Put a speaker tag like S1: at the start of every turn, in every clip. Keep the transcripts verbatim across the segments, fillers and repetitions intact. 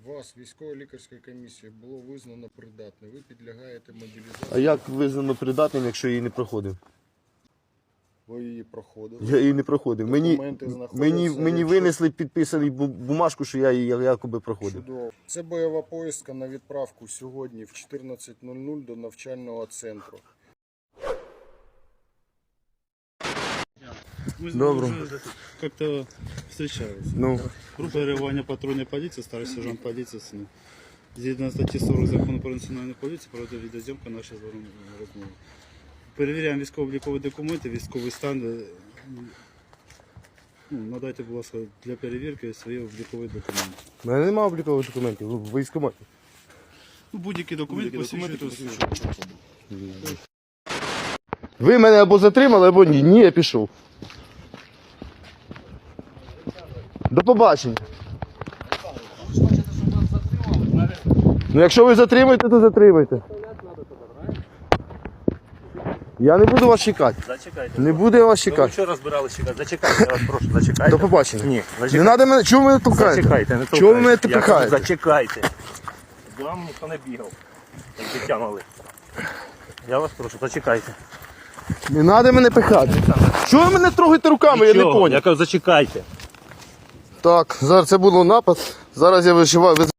S1: Вас військово-лікарською комісією було визнано придатним. Ви підлягаєте мобілізації.
S2: А як визнано придатним, якщо я її не проходив?
S1: Ви її проходили.
S2: Я її не проходив. Мені,
S1: Документи знаходяться,
S2: мені, мені
S1: якщо-
S2: винесли підписаний бу- бумажку, що я її якоби проходив.
S1: Чудово. Це бойова поїздка на відправку сьогодні в чотирнадцять нуль нуль до навчального центру.
S3: Мы с
S2: Добро.
S3: ним уже как-то встречались.
S2: Ну,
S3: Группа реагування патрульної поліції, старший сержант поліції з ним. Згідно статті сорок закону про національну поліцію, проводить відеозйомка нашої з вами розмови. Перевіряємо військово-облікові документи, військовий стан. Ну, надайте, будь ласка, для перевірки свої облікові документи.
S2: в мене немає облікових документів, в військкоматі.
S3: Ну, будь-які документи посвідчують.
S2: Ви мене або затримали, або ні. Ні, я пішов. До побачення. Ну якщо ви затримаєте, то затримайте. Я не буду вас чекати.
S4: Зачекайте.
S2: Не буду я вас
S4: Ви
S2: чекати.
S4: вчора збиралися чекати. Зачекайте, я вас прошу, зачекайте.
S2: До побачення.
S4: Ні,
S2: Не
S4: зачекайте.
S2: треба мене. Чого ви мене толкаєте?
S4: Зачекайте, не
S2: Чого ви мене
S4: толкайте. Я кажу,
S2: пихаєте?
S4: Зачекайте. З вами ніхто не бігав. Як дитя мали. Я вас прошу, зачекайте.
S2: Не треба мене пихати. Чого ви мене трогаєте руками, я не
S4: Нічого,
S2: поняв.
S4: Я кажу, зачекайте.
S2: Так, зараз це було напад. Зараз я виживаю. Ви-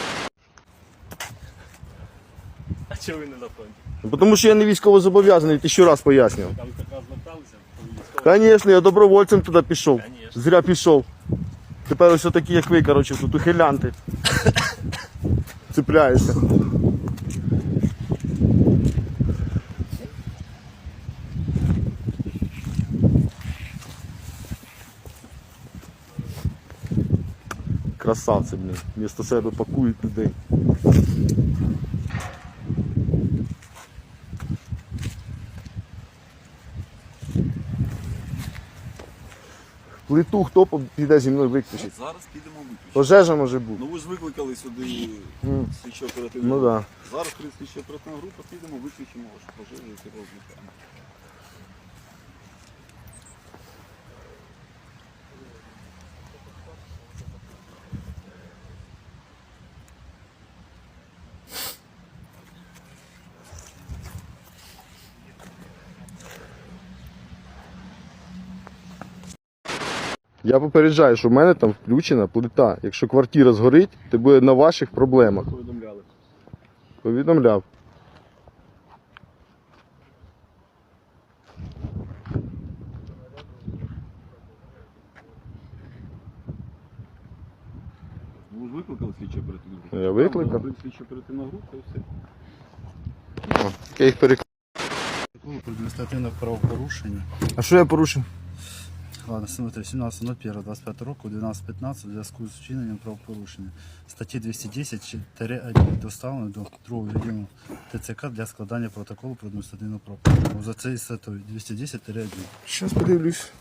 S4: А чого ви не на фронті?
S2: Тому що я не військово зобов'язаний, ти ще раз пояснював.
S4: Там така зверталися?
S2: Звісно, я добровольцем туди пішов.
S4: Конечно.
S2: Зря пішов. Тепер ось такі, як ви, коротше, тут ухилянти. Цепляюся. Красавці, блін. Вмісто себе пакують людей. Плиту хто піде зі мною виключить?
S5: Зараз підемо виключити.
S2: Пожежа може бути.
S5: Ну ви ж викликали сюди
S2: М.
S5: слідчо оперативну
S2: Ну
S5: групу.
S2: так. Да.
S5: Зараз прийде слідчо оперативна група, підемо, виключимо вашу пожежу і розлікаємо.
S2: Я попереджаю, що в мене там включена плита. Якщо квартира згорить, то буде на ваших проблемах.
S5: Повідомляли.
S2: Повідомляв.
S5: Ви ж викликали слідчо оперативну групу?
S2: Я викликав.
S5: Прийде слідчо оперативна група і все.
S2: О, я їх перек...
S3: Про адміністративне правопорушення.
S2: А що я порушив?
S3: Ладно, смотри, сімнадцяте ноль перше двадцять п'ятого року, дванадцять п'ятнадцять, у зв'язку з вчиненням правопорушення. Статті двісті десять один доставлено до другого відділу ТЦК для складання протоколу про адміністративне правопорушення. За цей статтею двісті десять один.
S2: Щас подивлюсь.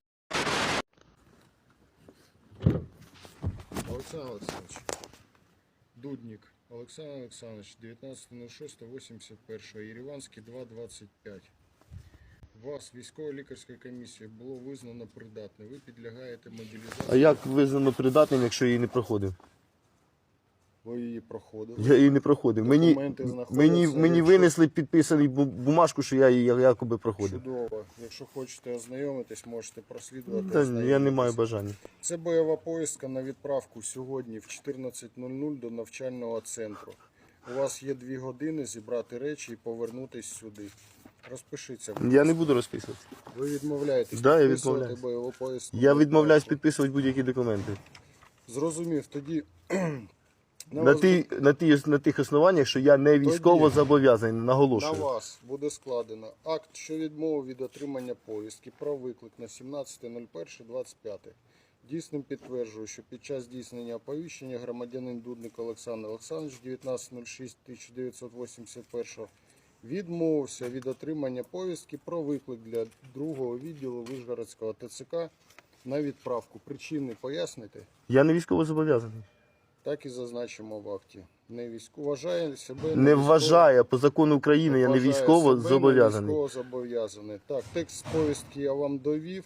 S1: Олександр Олександрович. Дудник. Олександр Олександрович, дев'ятнадцяте нуль шосте вісімдесят перше, Єреванський два двадцять п'ять. Вас військово-лікарською комісією було визнано придатним. Ви підлягаєте мобілізації.
S2: А як визнано придатним, якщо я її не проходив?
S1: Ви її проходили.
S2: Я її не проходив. Мені,
S1: Документи знаходяться,
S2: мені, мені
S1: якщо-
S2: винесли підписаний бу- бумажку, що я її якоби проходив.
S1: Чудово. Якщо хочете ознайомитись, можете прослідувати.
S2: Та, я не
S1: ознайомитись.
S2: маю бажання.
S1: Це бойова поїздка на відправку сьогодні в чотирнадцять нуль нуль до навчального центру. У вас є дві години зібрати речі і повернутись сюди. Розпишіться.
S2: Я не буду розписувати.
S1: Ви відмовляєтесь
S2: Да, я
S1: підписувати
S2: відмовляюсь.
S1: бойову поїздку?
S2: Я
S1: на
S2: відмовляюсь
S1: відправку?
S2: підписувати будь-які документи.
S1: Зрозумів. Тоді на,
S2: На,
S1: вас,
S2: ті, на, ті, на тих основаннях, що я не військово
S1: Тоді
S2: зобов'язаний,
S1: на
S2: наголошую.
S1: вас буде складено акт, що відмови від отримання повістки про виклик на сімнадцяте нуль перше двадцять п'яте. Дійсним підтверджую, що під час здійснення оповіщення громадянин Дудник Олександр Олександрович дев'ятнадцяте нуль шосте тисяча дев'ятсот вісімдесят першого відмовився від отримання повістки про виклик для другого відділу Вишгородського ТЦК на відправку. Причини поясните?
S2: Я не військово зобов'язаний.
S1: Так і зазначимо в акті. Не військо вважає себе
S2: Не вважає, по закону України я не
S1: вважає
S2: військово
S1: себе
S2: зобов'язаний.
S1: не військово зобов'язаний. Так, текст повістки я вам довів.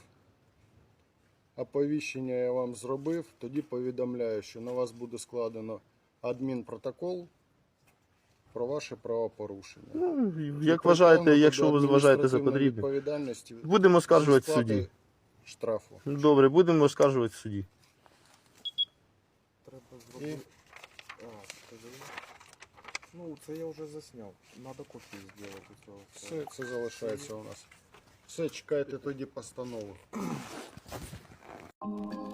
S1: Оповіщення я вам зробив. Тоді повідомляю, що на вас буде складено адмінпротокол про ваше правопорушення.
S2: Ну,
S1: І
S2: як вважаєте,
S1: притягнути
S2: якщо
S1: до
S2: ви вважаєте за
S1: адміністративної
S2: потрібне.
S1: відповідальності
S2: Будемо оскаржувати в
S1: зі сплати
S2: суді.
S1: штрафу.
S2: Добре, будемо оскаржувати в суді.
S6: Треба
S1: І
S6: зробити. А, скажи. Ну, це я вже засняв. Надо копію зробити цього.
S1: все це залишається у нас. Все, чекайте тоді постанову.